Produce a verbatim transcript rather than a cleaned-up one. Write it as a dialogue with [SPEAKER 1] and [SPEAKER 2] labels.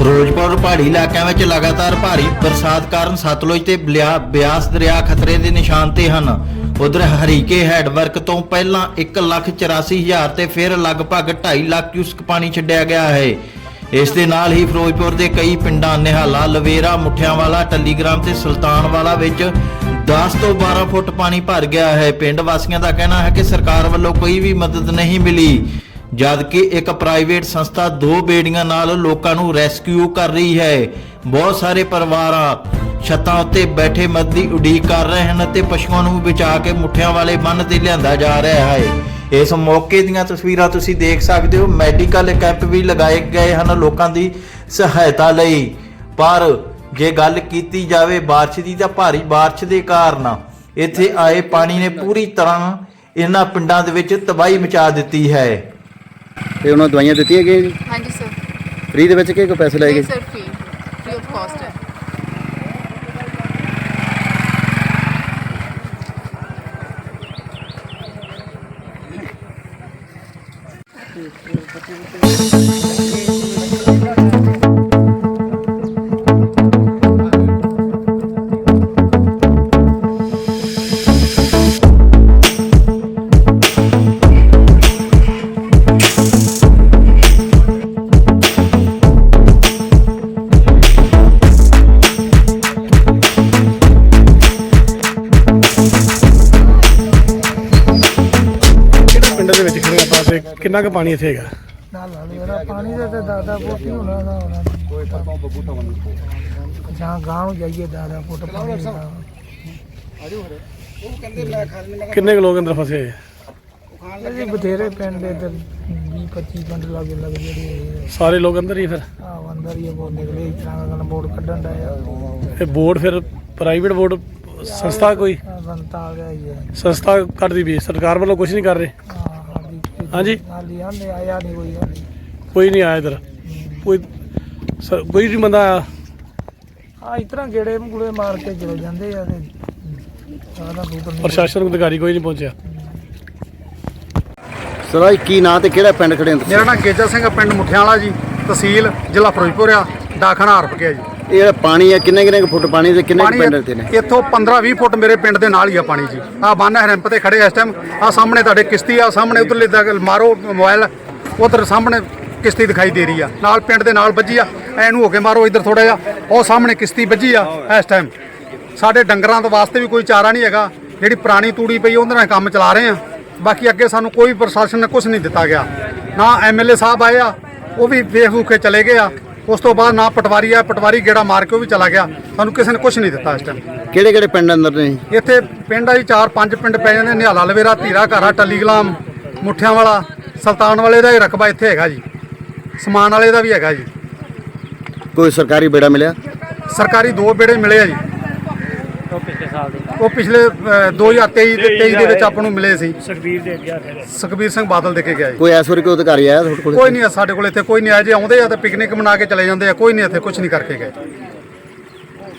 [SPEAKER 1] ਫਿਰੋਜ਼ਪੁਰ ਪਹਾੜੀ ਇਲਾਕਿਆਂ ਵਿੱਚ ਲਗਾਤਾਰ ਭਾਰੀ ਬਰਸਾਤ ਕਾਰਨ ਸਤਲੁਜ ਤੇ ਬਿਆਸ ਦਰਿਆ ਖਤਰੇ ਦੇ ਨਿਸ਼ਾਨ ਤੇ ਹਨ। ਉਧਰ ਹਰੀਕੇ ਹੈਡਵਰਕ ਤੋਂ ਪਹਿਲਾਂ ਇੱਕ ਲੱਖ ਚੁਰਾਸੀ ਹਜ਼ਾਰ ਤੇ ਫਿਰ ਲਗਭਗ ਢਾਈ ਲੱਖ ਕਿਊਸਕ ਪਾਣੀ ਛੱਡਿਆ ਗਿਆ ਹੈ। ਇਸ ਦੇ ਨਾਲ ਹੀ ਫਿਰੋਜ਼ਪੁਰ ਦੇ ਕਈ ਪਿੰਡਾਂ ਨਿਹਾਲਾ, ਲਵੇਰਾ, ਮੁੱਠਿਆਂਵਾਲਾ, ਟੱਲੀਗ੍ਰਾਮ ਤੇ ਸੁਲਤਾਨਵਾਲਾ ਵਿੱਚ ਦਸ ਤੋਂ ਬਾਰਾਂ ਫੁੱਟ ਪਾਣੀ ਭਰ ਗਿਆ ਹੈ। ਪਿੰਡ ਵਾਸੀਆਂ ਦਾ ਕਹਿਣਾ ਹੈ ਕਿ ਸਰਕਾਰ ਵੱਲੋਂ ਕੋਈ ਵੀ ਮਦਦ ਨਹੀਂ ਮਿਲੀ, ਜਦਕਿ ਇੱਕ ਪ੍ਰਾਈਵੇਟ ਸੰਸਥਾ ਦੋ ਬੇੜੀਆਂ ਨਾਲ ਲੋਕਾਂ ਨੂੰ ਰੈਸਕਿਊ ਕਰ ਰਹੀ ਹੈ। ਬਹੁਤ ਸਾਰੇ ਪਰਿਵਾਰਾਂ ਛੱਤਾਂ ਉੱਤੇ ਬੈਠੇ ਮਦਦ ਦੀ ਉਡੀਕ ਕਰ ਰਹੇ ਹਨ ਤੇ ਪਸ਼ੂਆਂ ਨੂੰ ਬਚਾ ਕੇ ਮੁੱਠਿਆਂ ਵਾਲੇ ਬੰਨ੍ਹ ਤੇ ਲਿਆਂਦਾ ਜਾ ਰਿਹਾ ਹੈ। ਇਸ ਮੌਕੇ ਦੀਆਂ ਤਸਵੀਰਾਂ ਤੁਸੀਂ ਦੇਖ ਸਕਦੇ ਹੋ। ਮੈਡੀਕਲ ਕੈਂਪ ਵੀ ਲਗਾਏ ਗਏ ਹਨ ਲੋਕਾਂ ਦੀ ਸਹਾਇਤਾ ਲਈ। ਪਰ ਜੇ ਗੱਲ ਕੀਤੀ ਜਾਵੇ ਬਾਰਿਸ਼ ਦੀ, ਤਾਂ ਭਾਰੀ ਬਾਰਿਸ਼ ਦੇ ਕਾਰਨ ਇੱਥੇ ਆਏ ਪਾਣੀ ਨੇ ਪੂਰੀ ਤਰ੍ਹਾਂ ਇਹਨਾਂ ਪਿੰਡਾਂ ਦੇ ਵਿੱਚ ਤਬਾਹੀ ਮਚਾ ਦਿੱਤੀ ਹੈ।
[SPEAKER 2] ਤੇ ਉਹਨਾਂ ਦਵਾਈਆਂ ਦਿੱਤੀਆਂ ਗਈਆਂ ਜੀ?
[SPEAKER 3] ਹਾਂਜੀ ਸਰ।
[SPEAKER 2] ਫ੍ਰੀ ਦੇ ਵਿੱਚ ਕਿ ਕੋਈ ਪੈਸੇ ਲਏ ਗਏ?
[SPEAKER 3] Sir free free of cost ਹੈ।
[SPEAKER 4] ਕਿੰਨਾ ਕੁ ਪਾਣੀ ਇੱਥੇ ਹੈਗਾ?
[SPEAKER 5] ਨਾਲ ਨਾਲ ਪਾਣੀ ਦਾ ਤਾਂ ਦਾਦਾ ਫੁੱਟ ਹੀ ਹੋਣਾ ਨਾ ਹੋਣਾ ਕੋਈ ਪਰਤੋਂ ਬਬੂਟਾ ਬੰਦ ਜਾਂ ਗਾਂਵ ਜਾਈਏ ਦਾਦਾ ਫੁੱਟ ਪਾਣੀ ਦਾ।
[SPEAKER 4] ਕਿੰਨੇ ਕੁ ਲੋਕ ਅੰਦਰ ਫਸੇ ਹੋਏ?
[SPEAKER 5] ਇਹ ਬਥੇਰੇ ਪਿੰਡ ਦੇ ਤੇ ਵੀਹ ਪੱਚੀ ਪਿੰਡ ਲਾਗੇ ਲੱਗ ਜਿਹੜੇ
[SPEAKER 4] ਸਾਰੇ ਲੋਕ ਅੰਦਰ ਹੀ? ਫਿਰ
[SPEAKER 5] ਆ ਅੰਦਰ ਹੀ ਬਹੁਤ ਨਿਕਲੇ ਇਸ ਤਰ੍ਹਾਂ ਦਾ ਬੋਰਡ ਕੱਢਣ ਦਾ
[SPEAKER 4] ਇਹ ਬੋਰਡ ਫਿਰ ਪ੍ਰਾਈਵੇਟ ਬੋਰਡ ਸੰਸਥਾ ਕੋਈ
[SPEAKER 5] ਬੰਤਾ ਆ ਗਿਆ ਹੀ ਹੈ।
[SPEAKER 4] ਸੰਸਥਾ ਕੱਢਦੀ ਵੀ ਸਰਕਾਰ ਵੱਲੋਂ ਕੁਝ ਨਹੀਂ ਕਰ ਰਹੇ? ਹਾਂਜੀ
[SPEAKER 5] ਹਾਲੀ ਆਂਦੇ ਆਇਆ ਨਹੀਂ ਕੋਈ ਹਾਲੀ
[SPEAKER 4] ਕੋਈ ਨਹੀਂ ਆਇਆ ਇੱਧਰ? ਕੋਈ ਸ- ਕੋਈ ਨਹੀਂ ਬੰਦਾ ਆਇਆ?
[SPEAKER 5] ਆ ਇਸ ਤਰ੍ਹਾਂ ਗੇੜੇ ਮਗੂੜੇ ਮਾਰ ਕੇ ਚਲੇ ਜਾਂਦੇ ਆ ਤੇ ਸਾਰਾ ਦੂਰ
[SPEAKER 4] ਪ੍ਰਸ਼ਾਸਨ ਅਧਿਕਾਰੀ ਕੋਈ ਨਹੀਂ ਪਹੁੰਚਿਆ?
[SPEAKER 2] ਸਰ ਆਹ ਕੀ ਨਾਂ ਤੇ ਕਿਹੜਾ ਪਿੰਡ ਖੜੇ ਹੋ?
[SPEAKER 6] ਮੇਰਾ ਨਾਮ ਗੇਜਾ ਸਿੰਘ ਆ, ਪਿੰਡ ਮੁੱਠਿਆਂਵਾਲਾ ਜੀ, ਤਹਿਸੀਲ ਜ਼ਿਲ੍ਹਾ ਫਿਰੋਜ਼ਪੁਰ ਆ, ਡਾਕਖਾਨਾ ਹਰਪ ਗਿਆ ਜੀ।
[SPEAKER 2] ਇਹ ਜਿਹੜਾ ਪਾਣੀ ਹੈ ਕਿੰਨੇ ਕਿੰਨੇ ਕੁ ਫੁੱਟ ਪਾਣੀ ਤੇ ਕਿੰਨੇ ਕੁ ਪਿੰਡ ਇੱਥੇ ਨੇ?
[SPEAKER 6] ਇੱਥੋਂ ਪੰਦਰਾਂ ਵੀਹ ਫੁੱਟ ਮੇਰੇ ਪਿੰਡ ਦੇ ਨਾਲ ਹੀ ਆ ਪਾਣੀ ਜੀ। ਆ ਬੰਨ ਹੈਰੰਪ ਤੇ ਖੜੇ ਇਸ ਟਾਈਮ। ਆ ਸਾਹਮਣੇ ਤੁਹਾਡੇ ਕਿਸ਼ਤੀ ਆ, ਸਾਹਮਣੇ ਉਧਰਲੇ ਤੱਕ ਮਾਰੋ ਮੋਬਾਈਲ, ਉਧਰ ਸਾਹਮਣੇ ਕਿਸ਼ਤੀ ਦਿਖਾਈ ਦੇ ਰਹੀ ਆ, ਨਾਲ ਪਿੰਡ ਦੇ ਨਾਲ ਵੱਜੀ ਆ। ਐਨੂੰ ਹੋ ਕੇ ਮਾਰੋ ਇੱਧਰ ਥੋੜਾ ਜਿਹਾ, ਉਹ ਸਾਹਮਣੇ ਕਿਸ਼ਤੀ ਵੱਜੀ ਆ ਇਸ ਟਾਈਮ। ਸਾਡੇ ਡੰਗਰਾਂ ਦੇ ਵਾਸਤੇ ਵੀ ਕੋਈ ਚਾਰਾ ਨਹੀਂ ਹੈਗਾ, ਜਿਹੜੀ ਪੁਰਾਣੀ ਤੂੜੀ ਪਈ ਉਹਦੇ ਨਾਲ ਕੰਮ ਚਲਾ ਰਹੇ ਆ। ਬਾਕੀ ਅੱਗੇ ਸਾਨੂੰ ਕੋਈ ਪ੍ਰਸ਼ਾਸਨ ਨੇ ਕੁਝ ਨਹੀਂ ਦਿੱਤਾ ਗਿਆ, ਨਾ ਐਮ ਐਲ ਏ ਸਾਹਿਬ ਆਏ ਆ, ਉਹ ਵੀ ਵੇਖ ਵੂਖ ਕੇ ਚਲੇ ਗਏ ਆ। ਉਸ ਤੋਂ ਬਾਅਦ ਨਾ ਪਟਵਾਰੀ ਆ, ਪਟਵਾਰੀ ਗੇੜਾ ਮਾਰ ਕੇ ਉਹ ਵੀ ਚਲਾ ਗਿਆ। ਸਾਨੂੰ ਕਿਸੇ ਨੇ ਕੁਝ ਨਹੀਂ ਦਿੱਤਾ ਇਸ ਟਾਈਮ।
[SPEAKER 2] ਕਿਹੜੇ ਕਿਹੜੇ ਪਿੰਡ ਅੰਦਰ ਨੇ?
[SPEAKER 6] ਇੱਥੇ ਪਿੰਡ ਆ ਜੀ ਚਾਰ ਪੰਜ ਪਿੰਡ ਪੈ ਜਾਂਦੇ, ਨਿਹਾਲਾ, ਲਵੇਰਾ, ਧੀਰਾ ਘਾਰਾ, ਟੱਲੀਗਲਾਮ, ਮੁੱਠਿਆਂਵਾਲਾ, ਸੁਲਤਾਨਵਾਲੇ ਦਾ ਹੀ ਰਕਬਾ ਇੱਥੇ ਹੈਗਾ ਜੀ, ਸਮਾਨ ਵਾਲੇ ਦਾ ਵੀ ਹੈਗਾ ਜੀ।
[SPEAKER 2] ਕੋਈ ਸਰਕਾਰੀ ਬੇੜਾ ਮਿਲਿਆ?
[SPEAKER 6] ਸਰਕਾਰੀ ਦੋ ਬੇੜੇ ਮਿਲੇ ਆ ਜੀ। ਉਹ ਪਿਛਲੇ ਦੋ ਹਜ਼ਾਰ ਤੇਈ ਦੇ ਤੇਈ ਦੇ ਵਿੱਚ ਆਪਾਂ ਨੂੰ ਮਿਲੇ ਸੀ। ਸੁਖਬੀਰ ਦੇ ਗਿਆ ਸੁਖਬੀਰ ਸਿੰਘ ਬਾਦਲ ਦੇ ਕੇ ਗਿਆ ਜੀ।
[SPEAKER 2] ਕੋਈ ਇਸ ਵਾਰੀ ਕੋਈ ਅਧਿਕਾਰੀ ਆਇਆ ਤੁਹਾਡੇ ਕੋਲ?
[SPEAKER 6] ਕੋਈ ਨਹੀਂ, ਸਾਡੇ ਕੋਲ ਇੱਥੇ ਕੋਈ ਨਹੀਂ ਆਇਆ। ਜੇ ਆਉਂਦੇ ਆ ਤਾਂ ਪਿਕਨਿਕ ਮਨਾ ਕੇ ਚਲੇ ਜਾਂਦੇ ਆ, ਕੋਈ ਨਹੀਂ ਇੱਥੇ ਕੁਝ ਨਹੀਂ ਕਰਕੇ ਗਏ।